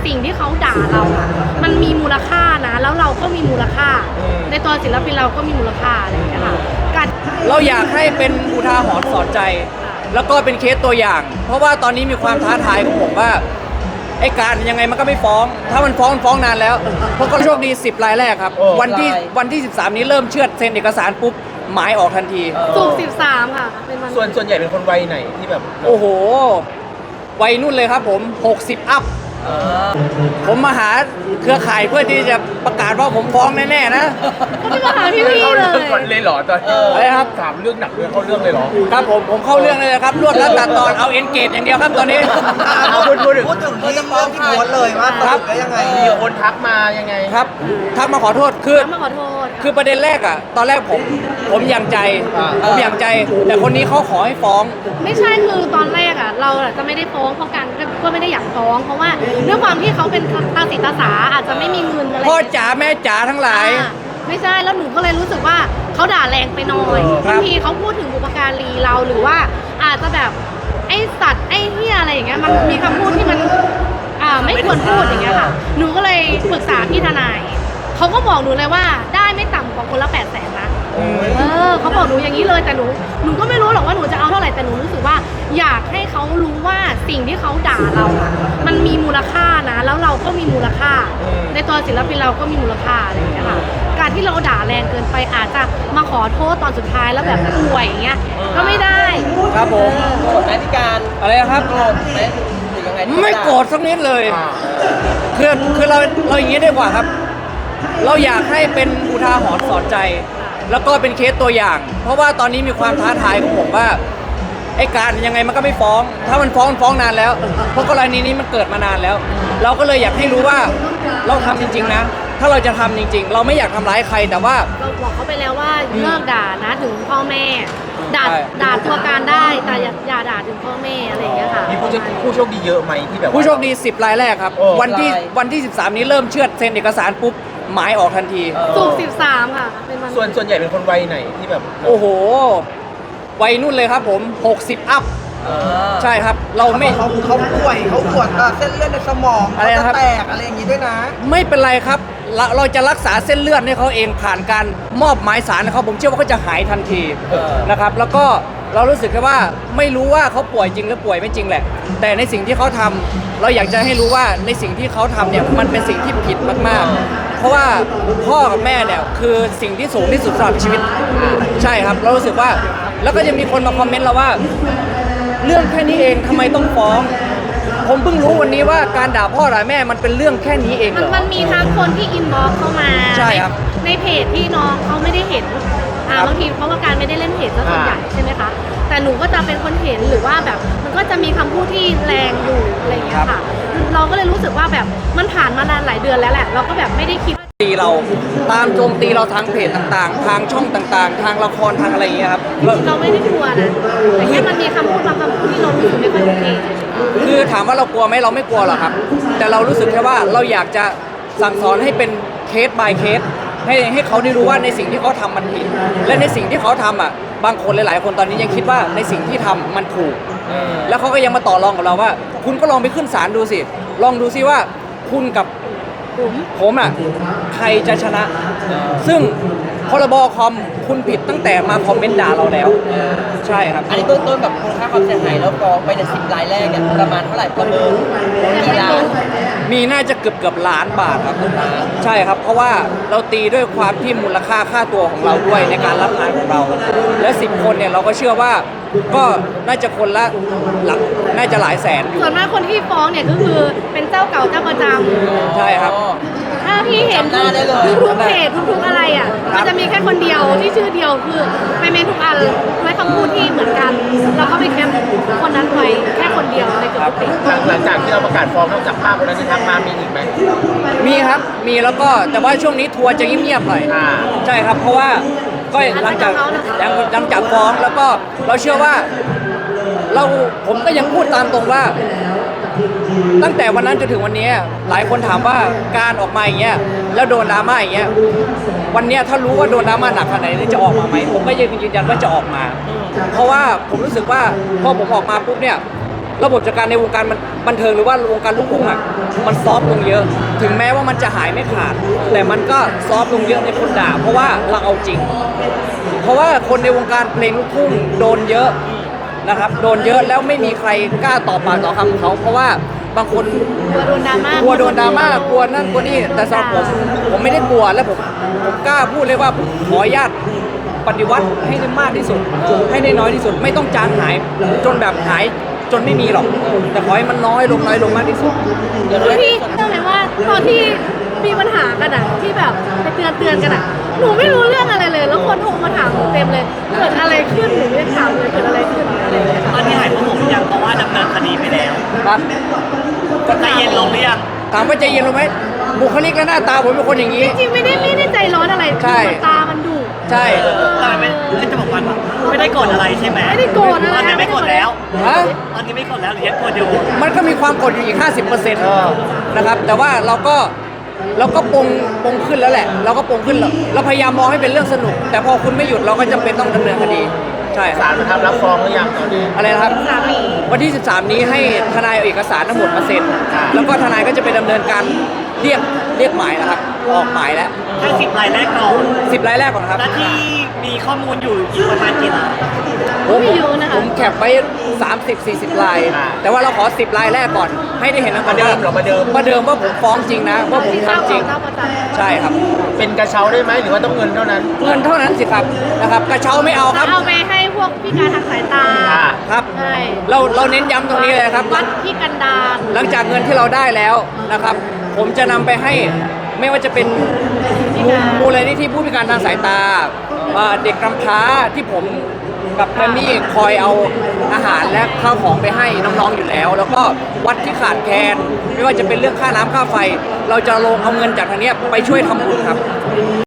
สิ่งที่เขาด่าเราอะมันมีมูลค่านะแล้วเราก็มีมูลค่าในตัวศิลปินเราก็มีมูลค่าอะไรอย่างเงี้ยค่ะการเราอยากให้เป็นอุทาหรณ์สอนใจ แล้วก็เป็นเคสตัวอย่าง เพราะว่าตอนนี้มีความท้าทายของผมว่าไอ้การยังไงมันก็ไม่ฟ้อง ถ้ามันฟ้องนานแล้วเพราะก็โชคดี10 รายแรกครับวันที่13นี้เริ่มเชื่อดเซ็นเอกสารปุ๊บหมายออกทันทีศุกร์13ค่ะเป็นวันส่วนใหญ่เป็นคนวัยไหนที่แบบโอ้โหวัยนุ่นเลยครับผม60 อัพผมมาหาเครือข่ายเพื่อที่จะประกาศว่าผมฟ้องแน่ๆนะก็ไม่มาหาพี่เข้าเลเรื่องก่อนเลยเหรอตอนอะไรครับถามเรื่องหนักเรื่องเข้าเรื่องเลยเหรอครับผมเข้าเรื่องเลยครับรวดรัดตัดตอนเอาเอ็นเกตอย่างเดียวครับตอนนี้พูดถึงที่เรื่องที่โพสต์เลยว่าสรุปได้ยังไงมีคนทักมายังไงครับทักมาขอโทษมาขอโทษคือประเด็นแรกอ่ะตอนแรกผมอย่างใจแต่คนนี้เขาขอให้ฟ้องไม่ใช่คือตอนแรกอ่ะเราจะไม่ได้ฟ้องเพราะกันก็ไม่ได้อยากฟ้องเพราะว่าด้วยความที่เขาเป็นตาสีตาสาอาจจะไม่มีเงินอะไรพ่อจ๋าแม่จ๋าทั้งหลายไม่ใช่แล้วหนูก็เลยรู้สึกว่าเขาด่าแรงไปหน่อยบางทีเขาพูดถึงบุพการีเราหรือว่าอาจจะแบบไอ้สัตว์ไอ้เหี้ยอะไรอย่างเงี้ยมันมีคำพูดที่มันไม่ควรพูดอย่างเงี้ยค่ะหนูก็เลยปรึกษาพี่ทนายเขาก็บอกหนูเลยว่าได้ไม่ต่ำกว่าคนละ800,000นะเขาบอกหนูอย่างนี้เลยแต่หนูก็ไม่รู้หรอกว่าหนูจะเอาเท่าไหร่แต่หนูรู้สึกว่าอยากให้เขารู้ว่าสิ่งที่เขาด่าเราอะมันมีมูลค่านะแล้วเราก็มีมูลค่าในตัวศิลปินเราก็มีมูลค่าอะไรอย่างเงี้ยค่ะการที่เราด่าแรงเกินไปอาจจะมาขอโทษตอนสุดท้ายแล้วแบบป่วยอย่างเงี้ยก็ไม่ได้ครับผมโกรธไหมพี่การอะไรครับโกรธไหมหรือยังไงไม่โกรธสักนิดเลยคือเราอย่างนี้ดีกว่าครับเราอยากให้เป็นอุทาหรณ์สอนใจ แล้วก็เป็นเคสตัวอย่าง เพราะว่าตอนนี้มีความท้าทายของผมว่าไอ้การยังไงมันก็ไม่ฟ้อง ถ้ามันฟ้องนานแล้วเพราะกรณีนี้มันเกิดมานานแล้ว เราก็เลยอยากให้รู้ว่าเราทำจริงๆนะถ้าเราจะทำจริงๆเราไม่อยากทำร้ายใครแต่ว่าเราบอกเขาไปแล้วว่าเลิกด่านะถึงพ่อแม่ด่าตัวการได้แต่อย่าด่าถึงพ่อแม่อะไรอย่างเงี้ยค่ะมีผู้โชคดีเยอะไหมที่แบบผู้โชคดี10 รายแรกครับวันที่13นี้เริ่มเชื่อดเซ็นเอกสารปุ๊บหมายออกทันทีศุกร์13ค่ะเป็นวันส่วนใหญ่เป็นคนวัยไหนที่แบบโอ้โหวัยนุ่นเลยครับผม60 อัพใช่ครับเราไม่เขาป่วยเขาปวดเส้นเลือดในสมองอะไรนะครับแตกอะไรอย่างงี้ด้วยนะไม่เป็นไรครับเราจะรักษาเส้นเลือดให้เขาเองผ่านการมอบหมายสารนะครับผมเชื่อว่าเขาจะหายทันทีนะครับแล้วก็เรารู้สึกแค่ว่าไม่รู้ว่าเขาป่วยจริงหรือป่วยไม่จริงแหละแต่ในสิ่งที่เขาทำเราอยากจะให้รู้ว่าในสิ่งที่เขาทำเนี่ยมันเป็นสิ่งที่ผิดมากๆเพราะว่าพ่อกับแม่เนี่ยคือสิ่งที่สูงที่สุดสำหรับชีวิตใช่ครับเรารู้สึกว่าแล้วก็จะมีคนมาคอมเมนต์เราว่าเรื่องแค่นี้เองทำไมต้องฟ้องผมเพิ่งรู้วันนี้ว่าการด่าพ่อด่าแม่มันเป็นเรื่องแค่นี้เองเหรอมันมีทั้งคนที่อินบ็อกซ์เข้ามาใช่ครับในเพจที่น้องเขาไม่ได้เห็นบางทีเพราะว่าการไม่ได้เล่นเพจซะส่วนใหญ่ใช่ไหมคะแต่หนูก็จะเป็นคนเห็นหรือว่าแบบมันก็จะมีคำพูดที่แรงอยู่อะไรอย่างเงี้ยค่ะเราก็เลยรู้สึกว่าแบบมันผ่านมานานหลายเดือนแล้วแหละเราก็แบบไม่ได้คิดตีเราตามโจมตีเราทางเพจต่างๆทางช่องต่างๆทางละครทางอะไรอย่างเงี้ยครับเราไม่ได้กลัวนะแต่แค่มันมีคำพูดบางคำพูดที่เรารู้สึกไม่ค่อยโอเคคือถามว่าเรากลัวไหมเราไม่กลัวหรอกครับแต่เรารู้สึกแค่ว่าเราอยากจะสั่งสอนให้เป็นเคส by เคสให้เขาได้รู้ว่าในสิ่งที่เขาทำมันผิดและในสิ่งที่เขาทำอ่ะบางคนหลายๆคนตอนนี้ยังคิดว่าในสิ่งที่ทำมันถูกแล้วเขาก็ยังมาต่อรองกับเราว่าคุณก็ลองไปขึ้นศาลดูสิลองดูสิว่าคุณกับผมอ่ะใครจะชนะซึ่งพรบคอมคุณผิดตั้งแต่มาคอมเมนต์ด่าเราแล้วใช่ครับอันนี้เบื้องต้นแบบมูลค่าความเสียหายแล้วฟ้องไปใน10 รายแรกเนี่ยประมาณเท่าไหร่ประเมินกี่ล้านมีน่าจะเกือบล้านบาทครับใช่ครับเพราะว่าเราตีด้วยความที่มูลค่าค่าตัวของเราด้วยในการรับงานของเราและ10 คนเนี่ยเราก็เชื่อว่าก็น่าจะคนละหลักน่าจะหลายแสนอยู่ส่วนมากคนที่ฟ้องเนี่ยก็คือเป็นเจ้าเก่าเจ้าประจำใช่ครับถ้าพี่เห็นทุกเพจทุกอะไรอ่ะมันจะมีแค่คนเดียวที่ชื่อเดียวคือไปเมนทุกอันไว้คำพูดที่เหมือนกันแล้วก็ไปแคปคนนั้นไว้แค่คนเดียวในเกือบทุกเพจหลังจากที่เราประกาศฟ้องนอกจากภาพคนนั้นที่ทักมามีอีกไหมมีครับมีแล้วก็แต่ว่าช่วงนี้ทัวร์จะเงียบๆหน่อยใช่ครับเพราะว่าก็หลังจากฟ้องแล้วก็เราเชื่อว่าผมก็ยังพูดตามตรงว่าตั้งแต่วันนั้นจนถึงวันนี้หลายคนถามว่าการออกมาอย่างเงี้ยแล้วโดนดราม่าอย่างเงี้ยวันนี้ถ้ารู้ว่าโดนดราม่าหนักขนาดไหนจะออกมาไหมผมก็ยืนยันว่าจะออกมาเพราะว่าผมรู้สึกว่าพอผมออกมาปุ๊บเนี่ยระบบจัดการในวงการบันเทิงหรือว่าวงการลูกทุ่งอ่ะมันซอฟต์ลงเยอะ ถึงแม้ว่ามันจะหายไม่ขาด แต่มันก็ซอฟต์ลงเยอะในคนด่าเพราะว่าเราเอาจริง เพราะว่าคนในวงการเพลงลูกทุ่งโดนเยอะนะครับโดนเยอะแล้วไม่มีใครกล้าต่อปากต่อคำเขาเพราะว่าบางคนกลัวโดนดราม่ากลัวโดนดราม่ากลัวนั่นกลัวนี่แต่สำหรับผมไม่ได้กลัวและผมกล้าพูดเลยว่าผมขออนุญาตปฏิวัติให้ได้มากที่สุดให้ได้น้อยที่สุดไม่ต้องจางหายจนแบบหายจนไม่มีหรอกแต่ขอให้มันน้อยลงมากที่สุดพี่เชื่อไหมว่าตอนที่มีปัญหากันอะที่แบบไปเตือนกันอะหนูไม่รู้เรื่องอะไรเลย แล้วคนโทรมาถามหนูเต็มเลยเกิดอะไรขึ้นหนูไม่ได้ถามเลยเกิดอะไรขึ้นอะไรอย่างเงี้ยตอนนี้หายโมโหหรือยังเพราะว่าดำเนินคดีไปแล้วครับใจเย็นลงหรือยังถามว่าใจเย็นลงไหมบุคลิกและหน้าตาผมเป็นคนอย่างนี้จริงๆไม่ได้ใจร้อนอะไรใช่คือตามันดุใช่ตอนไม่จะบอกว่าไม่ได้โกรธอะไรใช่ไหมไม่ได้โกรธอะไรตอนนี้ไม่โกรธแล้วฮะตอนนี้ไม่โกรธแล้วหรือยังโกรธอยู่มันก็มีความกดอยู่อีก 50%นะครับ แต่ว่าเราก็ปรงขึ้นแล้วแหละ เราก็ปรงขึ้นแล้วเราพยายามมองให้เป็นเรื่องสนุก แต่พอคุณไม่หยุดเราก็จำเป็นต้องดำเนินคดี ใช่คศารับลนะครับรับฟ้องหรือยังตอนนี้อะไรนะครับสามีวันที่ 13 นี้ให้ทนายเอาเอกสารทั้งหมดมาเซ็น แล้วก็ทนายก็จะไปดำเนินการเรียกหมายนะครับ ออกหมายแล้วแค่10 รายแรกก่อน 10 รายแรกก่อนครับและที่มีข้อมูลอยู่อีกประมาณกี่รายไม่เยอะนะคะผมแคปไว้ 30-40 ลาย แต่ว่าเราขอ 10 ลายแรกก่อน ให้ได้เห็นนะประเดิมเหรอประเดิมประเดิมว่าผมฟ้องจริงนะ ว่าผมที่เจ้าทำจขริองงเจ้าประจำใช่ครับเป็นกระเช้าได้ไหมหรือว่าต้องเงินเท่านั้นเงินเท่านั้นสิครับนะครับ กระเช้าไม่เอาครับเอาไปให้พวกพิการทางสายตาอ่าครับใช่เราเน้นย้ำตรงนี้เลยนะครับวัดที่กันดารหลังจากเงินที่เราได้แล้วนะครับ ผมจะนำไปให้ไม่ว่าจะเป็นมูลนิธิผู้พิการทางสายตาเด็กกำพร้าที่ผมกับแมมมี่คอยเอาอาหารและข้าวของไปให้น้องๆอยู่แล้ว แล้วก็วัดที่ขาดแคลนไม่ว่าจะเป็นเรื่องค่าน้ำค่าไฟ เราจะลงเอาเงินจากทางเนี้ยไปช่วยทำบุญครับ